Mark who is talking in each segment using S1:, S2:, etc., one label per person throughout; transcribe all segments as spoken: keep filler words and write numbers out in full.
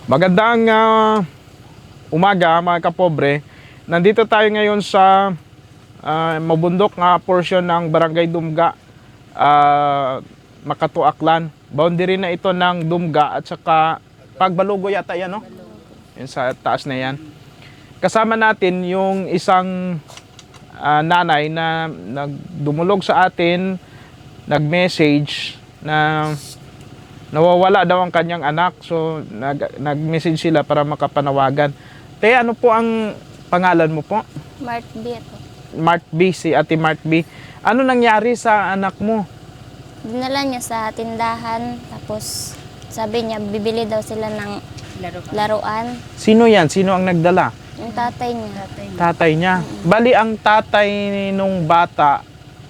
S1: Magandang ah, umaga mga kapobre. Nandito tayo ngayon sa ah, mabundok nga portion ng Barangay Dumga, ah, Makato, Aklan. Boundary na ito ng Dumga at saka Pagbalugo yata yan, no? Yan sa taas na yan. Kasama natin yung isang ah, nanay na nagdumulog sa atin, nag-message na nawawala daw ang kanyang anak. So nag nag-message sila para makapanawagan. Te, ano po ang pangalan mo po?
S2: Mart B ito.
S1: Mart B, si Ate Mart B. Ano nangyari sa anak mo?
S2: Dinala niya sa tindahan, tapos sabi niya bibili daw sila ng
S3: Laruan.
S2: laruan.
S1: Sino yan? Sino ang nagdala?
S2: Yung tatay niya.
S1: Tatay niya. Bali, ang tatay nung bata,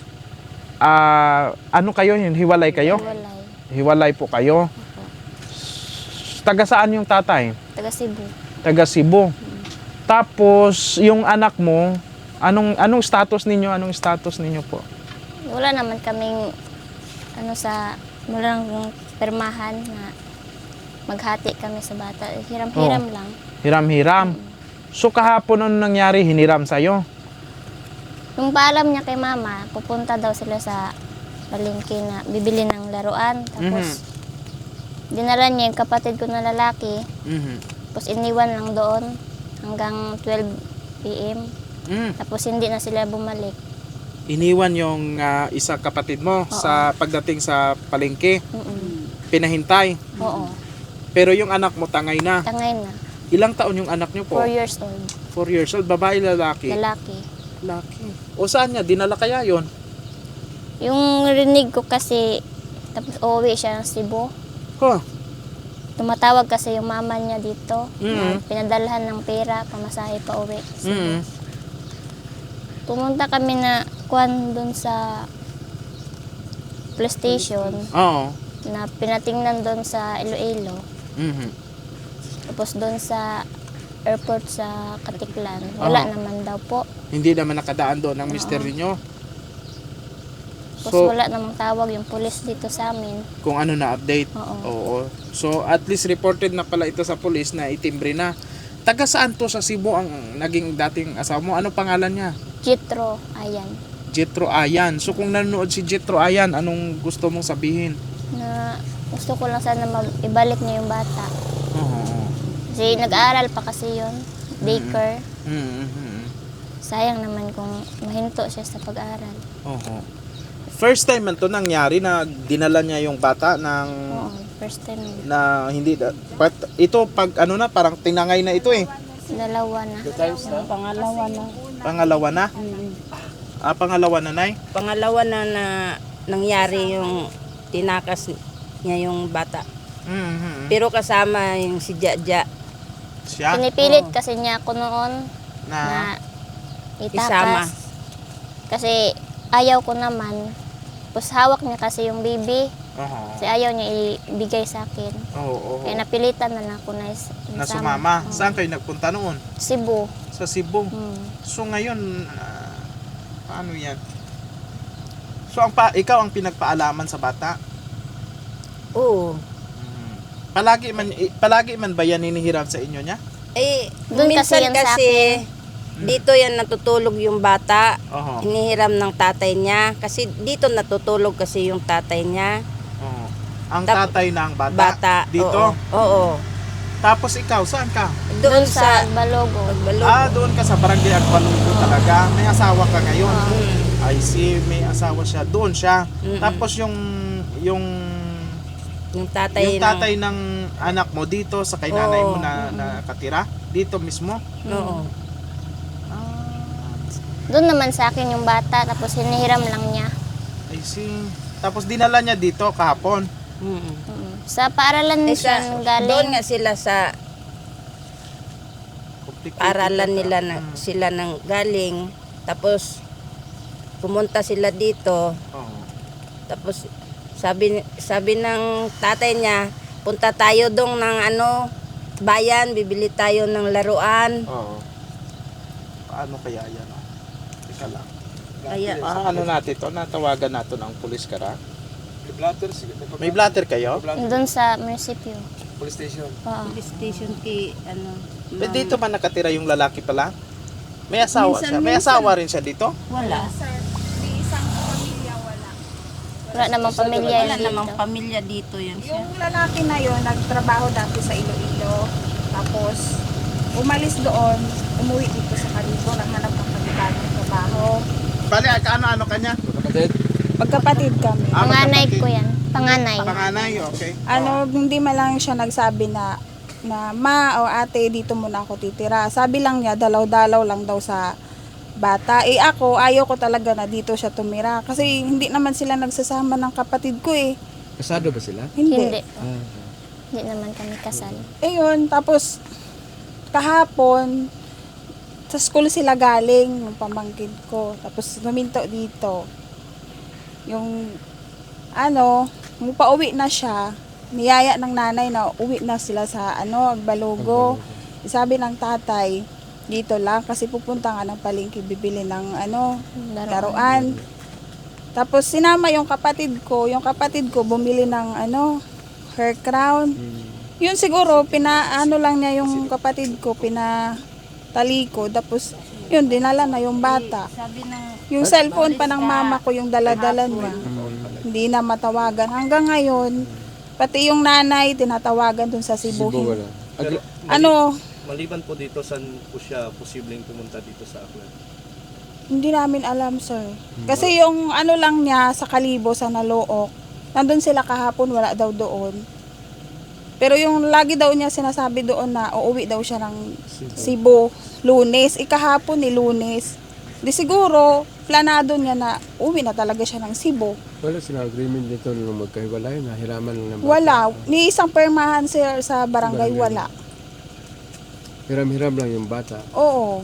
S1: ah, ano kayo yun? Hiwalay kayo?
S2: Walay.
S1: Hiwalay po kayo.
S2: Opo.
S1: Taga saan yung tatay?
S2: Taga Cebu.
S1: Taga Cebu. Tapos, yung anak mo, anong anong status ninyo? Anong status ninyo po?
S2: Wala naman kaming ano sa walang permahan na maghati kami sa bata. Hiram-hiram
S1: Oo.
S2: lang.
S1: Hiram-hiram. So, kahapon ano nangyari? Hiniram sa'yo?
S2: Nung paalam niya kay mama, pupunta daw sila sa palengke na bibili ng laruan. Tapos, dinala niya yung kapatid ko na lalaki.
S1: Mhm.
S2: Tapos iniwan lang doon hanggang twelve p m
S1: Mm.
S2: Tapos hindi na sila bumalik.
S1: Iniwan yung ah, isa kapatid mo
S2: Oo.
S1: sa pagdating sa palengke.
S2: Mm-mm.
S1: Pinahintay.
S2: Oo.
S1: Pero yung anak mo tangay na.
S2: Tangay na.
S1: Ilang taon yung anak niyo po?
S2: Four years old.
S1: Four years old. Babae, lalaki?
S2: Lalaki.
S1: Lalaki. O saan niya? Dinala kaya yon?
S2: Yung rinig ko kasi, tapos uuwi siya ng Cebu.
S1: Huh.
S2: Tumatawag kasi yung mama niya dito. Na
S1: Mhm.
S2: pinadalhan ng pera, pamasahe pa uwi. Cebu.
S1: Mm.
S2: Pumunta kami na kuan doon sa police station
S1: Oo.
S2: na pinatingnan doon sa Iloilo.
S1: Mhm.
S2: Tapos doon sa airport sa Katiklan, wala
S1: Oo.
S2: naman daw po.
S1: Hindi naman nakadaan doon ang mister niyo.
S2: Tapos
S1: So,
S2: wala namang tawag yung pulis dito sa amin.
S1: kung ano na update.
S2: Oo.
S1: Oo. So, at least reported na pala ito sa police na itimbre na. Taga saan to sa Cebu ang naging dating asawa mo? Ano pangalan niya?
S2: Jitro, ayan.
S1: Jetro Ayan. So, kung nanonood si Jetro Ayan, anong gusto mong sabihin?
S2: Na gusto ko lang sana mag-ibalik niya yung bata.
S1: Oo.
S2: Kasi nag-aaral pa kasi yun. Daycare.
S1: Mhm.
S2: Sayang naman kung mahinto siya sa pag-aaral.
S1: Oo. First time man to nangyari na dinala niya yung bata ng
S2: Oo, first time. yun.
S1: na hindi da- but ito pag ano na parang tinangay na ito eh.
S2: Dalawa na.
S3: Yung pangalawa na.
S1: Pangalawa na.
S3: Mm.
S1: Ah, pangalawa na, Nay.
S3: Pangalawa na na nangyari yung tinakas niya yung bata.
S1: Mhm.
S3: Pero kasama yung si Jaja.
S1: Siya
S2: Pinipilit
S3: Oo.
S2: kasi niya ako noon
S1: na
S2: na
S3: Isama.
S2: itakas. Kasi ayaw ko naman. Tapos hawak niya kasi yung baby.
S1: Oo.
S2: Kasi ayaw niya ibigay sa akin.
S1: Oo, oo.
S2: Kaya napilitan na lang ako na, is-
S1: Na
S2: isama.
S1: sumama.
S2: Oo.
S1: Saan kayo nagpunta noon?
S2: Cebu.
S1: Sa Cebu.
S2: Hmm.
S1: So ngayon ah, paano 'yan? So ang pa, ikaw ang pinagpaalaman sa bata.
S3: Oo.
S1: Mhm. Palagi man i- palagi man ba yan hinihiram sa inyo niya?
S3: Eh,
S2: Doon kasi
S3: minsan
S2: yan sa
S3: kasi, dito yan natutulog yung bata.
S1: Oo.
S3: Hinihiram ng tatay niya. Kasi dito natutulog kasi yung tatay niya.
S1: Oo. Ang
S3: Tap-
S1: tatay ng bata.
S3: Bata.
S1: Dito.
S3: Oo. Oo.
S1: Tapos ikaw, saan ka?
S3: Doon
S2: Doon
S3: sa
S2: sa Balogo.
S3: Pagbalog.
S1: Ah, doon ka sa Barangay Agbalunggo talaga. May asawa ka ngayon.
S3: Mm.
S1: I see, may asawa siya. Doon siya.
S3: Mm-mm.
S1: Tapos yung yung
S3: Yung tatay,
S1: yung tatay ng anak mo dito sa kay nanay mo
S3: Oo.
S1: na nakatira dito mismo.
S3: ng... Oo.
S1: Ah,
S2: Doon naman sa akin yung bata, tapos hinihiram lang niya.
S1: I see. Tapos dinala niya dito kahapon.
S3: Mm.
S2: Mm. Sa paaralan
S3: Eh,
S2: siya
S3: sa,
S2: galing.
S3: doon nga sila sa
S1: Complicated
S3: paralan
S1: yata.
S3: nila na
S1: Mm.
S3: sila nang galing. Tapos pumunta sila dito.
S1: Oo.
S3: Tapos sabi sabi ng tatay niya, punta tayo dong ng ano, bayan, bibili tayo ng laruan.
S1: Oo. Paano kaya yan? Oh? Teka lang.
S3: Kaya
S1: Ah, ano natin to? Natawagan natin ang pulis kara. May blatter kayo?
S2: Doon sa munisipyo.
S4: Police station.
S2: Oo.
S3: Police station kay ano.
S1: Eh,
S3: ma'am.
S1: dito man nakatira yung lalaki pala? May asawa
S3: Minsan,
S1: siya? May
S3: minsan.
S1: asawa rin siya dito?
S3: Wala.
S2: Wala namang pamilya
S3: Wala
S2: yun
S3: namang
S2: dito.
S3: pamilya dito yan siya.
S5: Yung lalaki na yon nagtrabaho dati sa Iloilo. Tapos, umalis doon, umuwi dito sa Calibo, naghanap ng panibagong trabaho.
S1: Bali, ano-ano kanya?
S4: Kapatid.
S5: Magkapatid kami.
S1: Ah,
S2: Panganay
S1: magkapatid.
S2: ko yan. Panganay.
S1: Panganay, okay.
S5: Ano, hindi man lang siya nagsabi na na ma o ate dito muna ako titira. Sabi lang niya dalaw-dalaw lang daw sa bata. Eh ako, ayaw ko talaga na dito siya tumira kasi hindi naman sila nagsasama ng kapatid ko eh.
S4: Kasado ba sila?
S5: Hindi.
S2: Hindi.
S4: Ah.
S2: Hindi naman kami kasal.
S5: Eh yun, tapos kahapon sa school sila galing yung pamangkin ko. Tapos luminto dito. Yung ano, yung pauwi na siya, niyaya ng nanay na uwi na sila sa ano, Agbalugo. Sabi ng tatay, dito lang kasi pupunta nga ng palengke bibili ng ano, laruan. Tapos sinama yung kapatid ko, yung kapatid ko bumili ng ano, hair crown. Yun siguro pinaano lang niya yung kapatid ko, pinatalikod. Tapos yun dinala na yung bata.
S3: Sabi ng
S5: Yung cellphone pa ng mama ko yung dala-dala niya. Hindi na matawagan. Hanggang ngayon, pati yung nanay tinatawagan dun sa Cebu.
S4: Cebu wala. Ag-
S5: Ano,
S6: Maliban po dito, saan po siya posibleng pumunta dito sa Aklan?
S5: hindi namin alam, sir. Kasi yung ano lang niya sa Kalibo, sa Nalook, nandun sila kahapon, wala daw doon. Pero yung lagi daw niya sinasabi doon na uuwi daw siya ng Cebu, Lunes. Ikahapon ni Lunes. Di siguro, planado niya na uwi na talaga siya ng Cebu.
S4: Wala silang agreement dito nung magkahiwalay, nahiraman lang ng bata.
S5: Wala. Ni isang permahan sir sa barangay, wala.
S4: Hiram-hiram lang yung bata.
S5: Oo.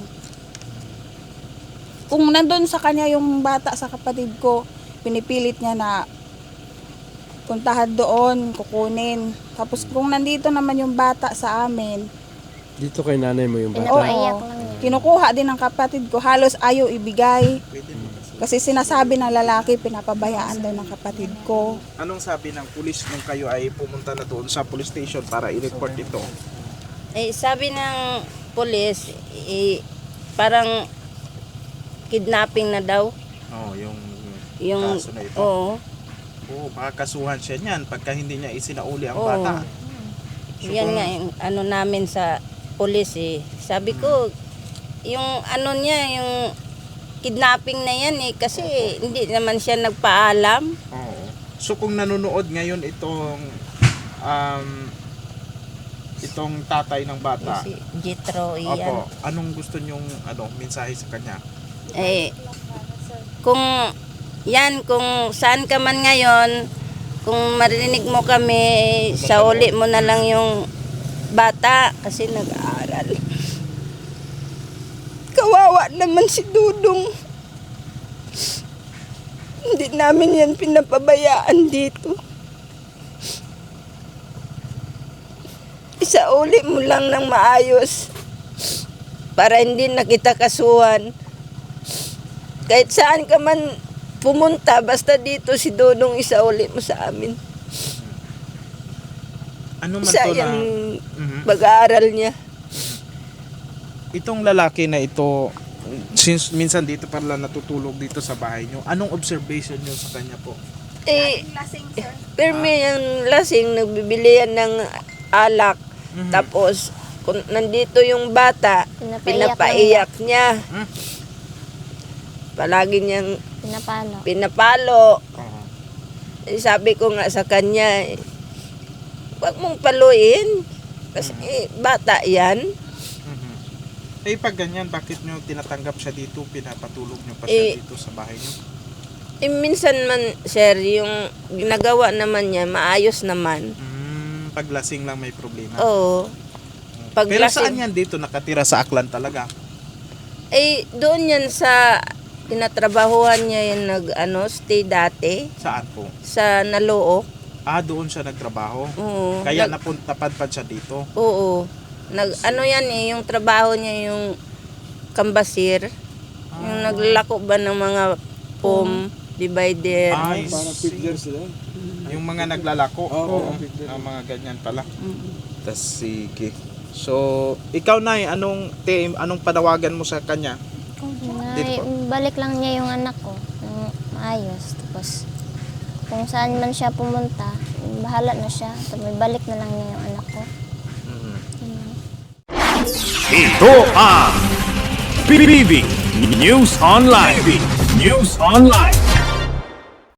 S5: Kung nandun sa kanya yung bata sa kapatid ko, pinipilit niya na puntahan doon, kukunin. Tapos kung nandito naman yung bata sa amin,
S4: Dito kay nanay mo yung bata.
S2: Pinapaiyak
S5: oo,
S2: lang niya.
S5: kinukuha din ng kapatid ko, halos ayaw ibigay. Kasi sinasabi ng lalaki, pinapabayaan daw ng kapatid ko.
S1: Anong sabi ng pulis nung kayo ay pumunta na doon sa police station para i-report ito?
S3: eh, sabi ng police, eh, parang kidnapping na daw.
S1: Oh, yung
S3: Yung,
S1: kaso na ito.
S3: oo.
S1: Oo, makakasuhan siya niyan pagka hindi niya isinauli ang
S3: Oo.
S1: bata. So,
S3: Yan
S1: kung-
S3: nga yung ano namin sa police eh. Sabi ko, yung ano niya, yung kidnapping na yan eh, kasi hindi naman siya nagpaalam.
S1: Oo. So kung nanonood ngayon itong um, itong tatay ng bata,
S3: Si Jethro,
S1: opo,
S3: iyan.
S1: anong gusto nyong ano, mensahe sa kanya?
S3: Eh, kung yan, kung saan ka man ngayon, kung marinig mo kami, sa uli mo na lang yung bata kasi nag-aaral. Kawawa naman si Dudong. Hindi namin yan pinapabayaan dito. Isa uli mo lang ng maayos para hindi na kita kasuhan. Kahit saan ka man pumunta, basta dito si Dudong isa uli mo sa amin.
S1: Ano man
S3: Isa
S1: to na
S3: yung
S1: Mhm.
S3: pag-aaral niya.
S1: Itong lalaki na ito, since minsan dito pala natutulog dito sa bahay nyo, anong observation nyo sa kanya po?
S3: Eh, pero may yung lasing, nagbibili yan ng alak.
S1: Mhm.
S3: Tapos, kung nandito yung bata,
S2: Pinapaiyak
S3: pinapaiyak niya.
S1: Hmm?
S3: Palagi niyang
S2: Pinapalo.
S3: pinapalo.
S1: Oo.
S3: Eh, sabi ko nga sa kanya, eh, huwag mong paluin. Kasi eh, bata yan.
S1: Mhm. Eh pag ganyan, bakit nyo tinatanggap siya dito, pinapatulog nyo pa siya
S3: Eh,
S1: dito sa bahay nyo?
S3: Eh, minsan man, sir, yung ginagawa naman niya, maayos naman.
S1: Mm, paglasing lang may problema.
S3: Oo. Pag
S1: Pero
S3: lasing-
S1: saan yan dito nakatira sa Aklan talaga?
S3: Eh, doon yan sa tinatrabahuhan niya yung nag, ano, stay dati
S1: Saan po?
S3: sa Nalook.
S1: Ah, doon siya nagtrabaho.
S3: Oo.
S1: Kaya
S3: Nag-
S1: napun- napadpad siya dito.
S3: Oo. Nag, ano yan eh, yung trabaho niya yung kambasir. Yung
S1: Ah.
S3: naglako ba ng mga foam divider.
S1: Ay,
S4: Parang
S1: see.
S4: feeder sila.
S1: Yung mga naglalako.
S4: Oo.
S1: Ah, mga ganyan pala.
S3: Mm.
S1: Tas sige. So, ikaw na anong te, anong panawagan mo sa kanya?
S2: Na,
S1: Dito po.
S2: balik lang niya yung anak ko ng maayos. Tapos, kung saan man siya pumunta, bahala na siya. Tapos, balik na lang niya yung anak ko. Yun lang.
S7: Ito ang P B B News Online. News Online.